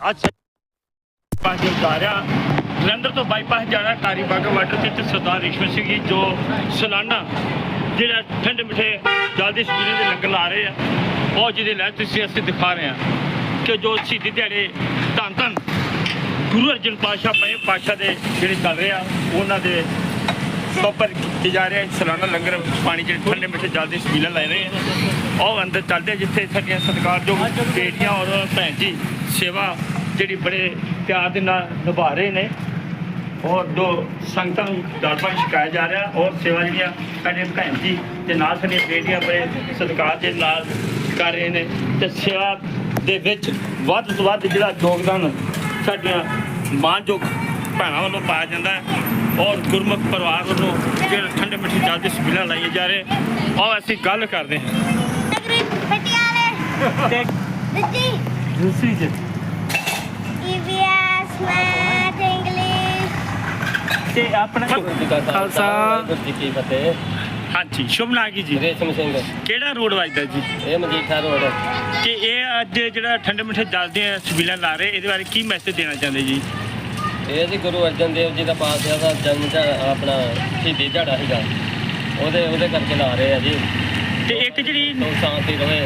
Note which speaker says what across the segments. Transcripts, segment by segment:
Speaker 1: ਅੱਜ ਬਾਈਪਾਸ ਜਾ ਰਿਹਾ ਜਲੰਧਰ ਤੋਂ ਬਾਈਪਾਸ ਜਾਣਾ ਟਾਰੀ ਬਾਗਾ ਵਾਟਰ ਤੇ ਸਰਦਾਰ ਰਿਸ਼ਵਤ ਸਿੰਘ ਜੀ ਜੋ ਸਾਲਾਨਾ ਜਿਹੜਾ ਠੰਡੇ ਮਿੱਠੇ ਜਲਦੀ ਸਪੀਰੇ ਦੇ ਲੰਗਰ ਲਾ ਰਹੇ ਆ ਉਹ ਜਿਹਦੇ ਲੈ ਤੁਸੀਂ ਅਸੀਂ ਦਿਖਾ ਰਹੇ ਹਾਂ ਕਿ ਜੋ ਸ਼ਹੀਦੀ ਦਿਹਾੜੇ ਧੰਨ ਧੰਨ ਗੁਰੂ ਅਰਜਨ ਪਾਤਸ਼ਾਹ ਪਏ ਪਾਤਸ਼ਾਹ ਦੇ ਜਿਹੜੇ ਚੱਲ ਰਹੇ ਆ ਉਹਨਾਂ ਦੇ ਉੱਪਰ ਕੀਤੇ ਜਾ ਰਹੇ ਸਾਲਾਨਾ ਲੰਗਰ ਪਾਣੀ ਜਿਹੜੇ ਠੰਡੇ ਮਿੱਠੇ ਜਲਦੀ ਸਪੀਲਾਂ ਲੈ ਰਹੇ ਆ ਉਹ ਅੰਦਰ ਚੱਲਦੇ ਜਿੱਥੇ ਸਾਡੀਆਂ ਸਤਿਕਾਰਯੋਗ ਬੇਟੀਆਂ ਔਰ ਭੈਣ ਜੀ ਸੇਵਾ ਜਿਹੜੀ ਬੜੇ ਪਿਆਰ ਦੇ ਨਾਲ ਨਿਭਾ ਰਹੇ ਨੇ ਔਰ ਜੋ ਸੰਗਤਾਂ ਨੂੰ ਦਾਲ ਪਾਣੀ ਛਕਾਇਆ ਜਾ ਰਿਹਾ ਔਰ ਸੇਵਾ ਜਿਹੜੀਆਂ ਸਾਡੇ ਭੈਣ ਜੀ ਤੇ ਨਾਲ ਸਾਡੀਆਂ ਬੇਟੀਆਂ ਬੜੇ ਸਤਿਕਾਰ ਦੇ ਨਾਲ ਕਰ ਰਹੇ ਨੇ ਤੇ ਸੇਵਾ ਦੇ ਵਿੱਚ ਵੱਧ ਤੋਂ ਵੱਧ ਜਿਹੜਾ ਯੋਗਦਾਨ ਸਾਡੀਆਂ ਮਾਣਯੋਗ ਭੈਣਾਂ ਵੱਲੋਂ ਪਾਇਆ ਜਾਂਦਾ ਹੈ ਔਰ ਗੁਰਮੁਖ ਪਰਿਵਾਰ ਵੱਲੋਂ ਜਿਹੜੇ ਠੰਡੇ ਮਿੱਠੇ ਜਲਦੀ ਸਪੀਲਾਂ ਲਾਈਆਂ ਜਾ ਰਹੇ ਔਰ ਅਸੀਂ ਗੱਲ ਕਰਦੇ ਹਾਂ ਦੂਸਰੀ ਜੀ
Speaker 2: EVS ਮੈਥ ਇੰਗਲਿਸ਼
Speaker 1: ਤੇ ਆਪਣਾ ਖਾਲਸਾ
Speaker 3: ਜੀ ਕੀ ਫਤਿਹ।
Speaker 1: ਹਾਂਜੀ ਸ਼ੁਭ ਨਾਗੀ ਜੀ
Speaker 3: ਰੇਸ਼ਮ ਸਿੰਘ
Speaker 1: ਕਿਹੜਾ ਰੋਡ ਵੱਜਦਾ ਜੀ
Speaker 3: ਇਹ ਮਜੀਠਾ ਰੋਡ।
Speaker 1: ਕਿ ਇਹ ਅੱਜ ਜਿਹੜਾ ਠੰਡੇ ਮਿੱਠੇ ਜਲਦੀਆਂ ਸਪੀਲਾਂ ਲਾ ਰਹੇ ਇਹਦੇ ਬਾਰੇ ਕੀ ਮੈਸੇਜ ਦੇਣਾ ਚਾਹੁੰਦੇ ਜੀ
Speaker 3: ਇਹ ਜੀ ਗੁਰੂ ਅਰਜਨ ਦੇਵ ਜੀ ਦਾ ਪਾਤਸ਼ਾਹ ਦਾ ਜਨਮ ਦਿਹਾੜਾ ਆਪਣਾ ਸ਼ਹੀਦੀ ਦਿਹਾੜਾ ਸੀਗਾ ਉਹਦੇ ਕਰਕੇ ਲਾ ਰਹੇ ਆ ਜੀ
Speaker 1: ਤੇ ਇੱਕ ਜਿਹੜੀ
Speaker 3: ਸ਼ਾਂਤੀ ਰਹੇ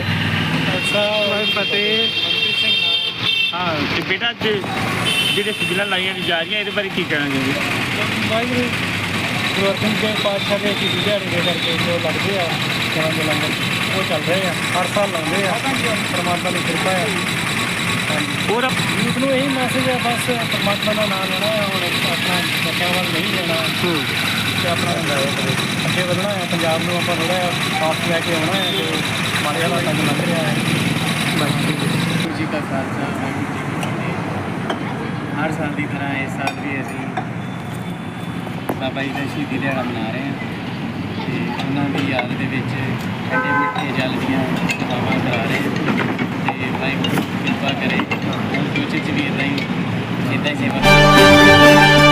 Speaker 1: ਫਤਿਹ ਹਾਂ ਤੇ ਬੇਟਾ ਅੱਜ ਜਿਹੜੇ ਸਪੀਲਾਂ ਲਾਈਆਂ ਜਾ ਰਹੀਆਂ ਇਹਦੇ ਬਾਰੇ ਕੀ ਕਹਿਣਾ ਜੀ
Speaker 4: ਵਾਹਿਗੁਰੂ ਗੁਰੂ ਅਰਜਨ ਦੇਵ ਪਾਤਸ਼ਾਹ ਦੇ ਸ਼ਹੀਦੀ ਦਿਹਾੜੇ ਦੇ ਕਰਕੇ ਜੋ ਲੱਗਦੇ ਆ ਸੇਵਾ ਦੇ ਲੰਗਰ ਉਹ ਚੱਲ ਰਹੇ ਆ ਹਰ ਸਾਲ ਲਾਉਂਦੇ ਆ ਪਰਮਾਤਮਾ ਦੀ ਕਿਰਪਾ ਹੈ
Speaker 1: ਹੋਰ
Speaker 4: ਯੂਥ ਨੂੰ ਇਹੀ ਮੈਸੇਜ ਹੈ ਬਸ ਪਰਮਾਤਮਾ ਦਾ ਨਾਮ ਲੈਣਾ ਹੈ ਹੁਣ ਆਪਣਾ ਬੱਚਿਆਂ ਵੱਲ ਨਹੀਂ ਲੈਣਾ ਤੇ ਆਪਣਾ ਅੱਗੇ ਵਧਣਾ ਹੈ ਪੰਜਾਬ ਨੂੰ ਆਪਾਂ ਥੋੜ੍ਹਾ ਜਿਹਾ ਸਾਫ ਲੈ ਕੇ ਆਉਣਾ ਹੈ ਜੋ ਮਾੜੇ ਹਾਲਾਤਾਂ 'ਚ ਲੰਘ ਰਿਹਾ ਹੈ
Speaker 5: ਵਾਹਿਗੁਰੂ ਜੀ ਕਾ ਖਾਲਸਾ ਵਾਹਿਗੁਰੂ ਜੀ ਕੀ ਫਤਿਹ। ਹਰ ਸਾਲ ਦੀ ਤਰ੍ਹਾਂ ਇਸ ਸਾਲ ਵੀ ਅਸੀਂ ਬਾਬਾ ਜੀ ਦਾ ਸ਼ਹੀਦੀ ਦਿਹਾੜਾ ਮਨਾ ਰਹੇ ਹਾਂ ਤੇ ਉਹਨਾਂ ਦੀ ਯਾਦ ਦੇ ਵਿੱਚ ਠੰਡੇ ਮਿੱਠੇ ਜਲ ਦੀਆਂ ਸੇਵਾਵਾਂ ਕਰਾ ਰਹੇ ਹਾਂ ਤੇ ਵਾਹਿਗੁਰੂ ਕਿਰਪਾ ਕਰੇ ਫਿਊਚਰ 'ਚ ਵੀ ਇੱਦਾਂ ਹੀ ਸੇਵਾ